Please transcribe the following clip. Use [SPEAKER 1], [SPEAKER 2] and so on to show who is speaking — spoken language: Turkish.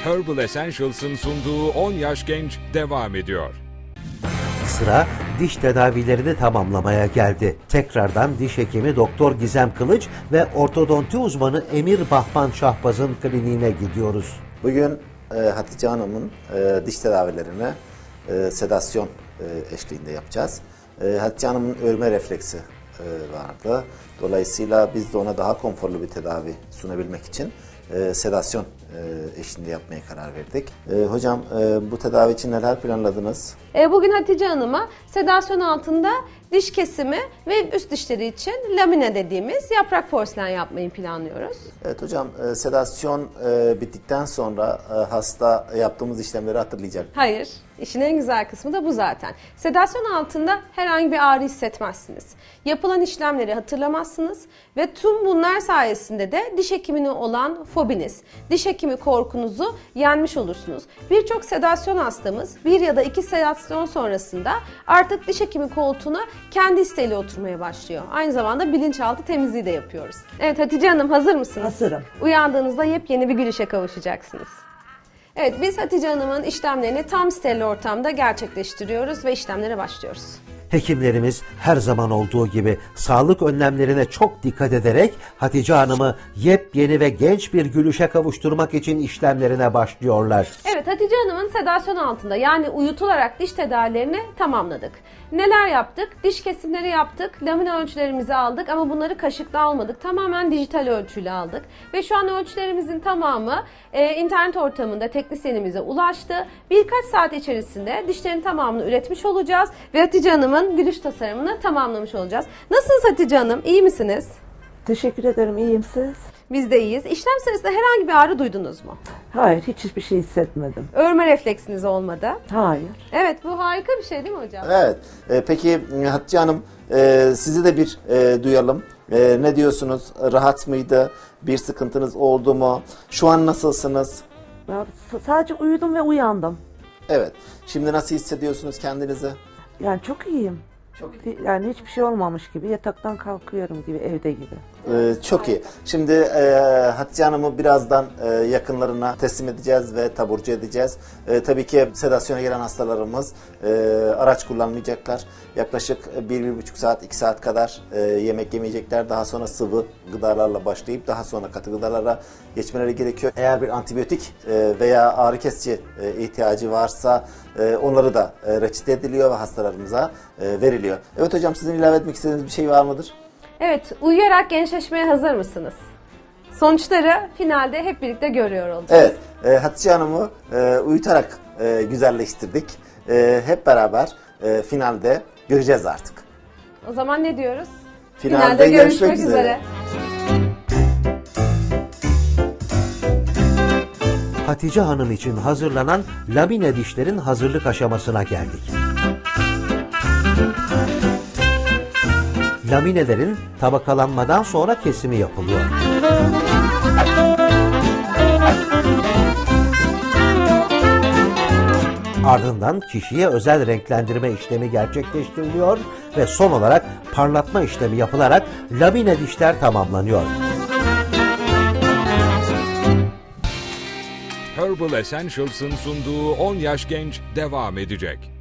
[SPEAKER 1] Herbal Essentials'ın sunduğu 10 Yaş Genç devam ediyor.
[SPEAKER 2] Sıra diş tedavilerini tamamlamaya geldi. Tekrardan diş hekimi Doktor Gizem Kılıç ve ortodonti uzmanı Emir Bahman Şahbaz'ın kliniğine gidiyoruz.
[SPEAKER 3] Bugün Hatice Hanım'ın diş tedavilerini sedasyon eşliğinde yapacağız. Hatice Hanım'ın örme refleksi vardı. Dolayısıyla biz de ona daha konforlu bir tedavi sunabilmek için sedasyon eşliğinde yapmaya karar verdik. Hocam bu tedavi için neler planladınız?
[SPEAKER 4] Bugün Hatice Hanım'a sedasyon altında diş kesimi ve üst dişleri için lamine dediğimiz yaprak porselen yapmayı planlıyoruz.
[SPEAKER 3] Evet hocam, sedasyon bittikten sonra hasta yaptığımız işlemleri hatırlayacak.
[SPEAKER 4] Hayır, işin en güzel kısmı da bu zaten. Sedasyon altında herhangi bir ağrı hissetmezsiniz. Yapılan işlemleri hatırlamazsınız ve tüm bunlar sayesinde de diş hekimine olan fobiniz, diş hekimi korkunuzu yenmiş olursunuz. Birçok sedasyon hastamız 1 ya da 2 sedasyon sonrasında artık diş hekimi koltuğuna kendi isteğiyle oturmaya başlıyor. Aynı zamanda bilinçaltı temizliği de yapıyoruz. Evet Hatice Hanım, hazır mısınız?
[SPEAKER 5] Hazırım.
[SPEAKER 4] Uyandığınızda yepyeni bir gülüşe kavuşacaksınız. Evet, biz Hatice Hanım'ın işlemlerini tam steril ortamda gerçekleştiriyoruz ve işlemlere başlıyoruz.
[SPEAKER 2] Hekimlerimiz her zaman olduğu gibi sağlık önlemlerine çok dikkat ederek Hatice Hanım'ı yepyeni ve genç bir gülüşe kavuşturmak için işlemlerine başlıyorlar.
[SPEAKER 4] Evet, Hatice Hanım'ın sedasyon altında yani uyutularak diş tedavilerini tamamladık. Neler yaptık? Diş kesimleri yaptık, lamine ölçülerimizi aldık ama bunları kaşıkla almadık. Tamamen dijital ölçüyle aldık. Ve şu an ölçülerimizin tamamı internet ortamında teknisyenimize ulaştı. Birkaç saat içerisinde dişlerin tamamını üretmiş olacağız ve Hatice Hanım'ın gülüş tasarımını tamamlamış olacağız. Nasılsınız Hatice Hanım? İyi misiniz?
[SPEAKER 5] Teşekkür ederim. İyiyim siz?
[SPEAKER 4] Biz de iyiyiz. İşlem sırasında herhangi bir ağrı duydunuz mu?
[SPEAKER 5] Hayır, hiçbir şey hissetmedim.
[SPEAKER 4] Örme refleksiniz olmadı.
[SPEAKER 5] Hayır.
[SPEAKER 4] Evet, bu harika bir şey değil mi hocam?
[SPEAKER 3] Evet. Peki Hatice Hanım, sizi de bir duyalım. Ne diyorsunuz? Rahat mıydı? Bir sıkıntınız oldu mu? Şu an nasılsınız?
[SPEAKER 5] Ben sadece uyudum ve uyandım.
[SPEAKER 3] Evet. Şimdi nasıl hissediyorsunuz kendinizi?
[SPEAKER 5] Yani çok iyiyim. Yani hiçbir şey olmamış gibi, yataktan kalkıyorum gibi, evde gibi.
[SPEAKER 3] Çok iyi. Şimdi Hatice Hanım'ı birazdan yakınlarına teslim edeceğiz ve taburcu edeceğiz. Tabii ki sedasyona gelen hastalarımız araç kullanmayacaklar. Yaklaşık 1-1,5 saat, 2 saat kadar yemek yemeyecekler. Daha sonra sıvı gıdalarla başlayıp daha sonra katı gıdalara geçmeleri gerekiyor. Eğer bir antibiyotik veya ağrı kesici ihtiyacı varsa onları da reçete ediliyor ve hastalarımıza veriliyor. Evet hocam, sizin ilave etmek istediğiniz bir şey var mıdır?
[SPEAKER 4] Evet, uyuyarak gençleşmeye hazır mısınız? Sonuçları finalde hep birlikte görüyor olacağız.
[SPEAKER 3] Evet, Hatice Hanım'ı uyutarak güzelleştirdik. Hep beraber finalde göreceğiz artık.
[SPEAKER 4] O zaman ne diyoruz?
[SPEAKER 3] Finalde görüşmek üzere.
[SPEAKER 2] Hatice Hanım için hazırlanan lamine dişlerin hazırlık aşamasına geldik. Laminelerin tabakalanmadan sonra kesimi yapılıyor. Ardından kişiye özel renklendirme işlemi gerçekleştiriliyor ve son olarak parlatma işlemi yapılarak lamine dişler tamamlanıyor.
[SPEAKER 1] Herbal Essentials'ın sunduğu 10 Yaş Genç devam edecek.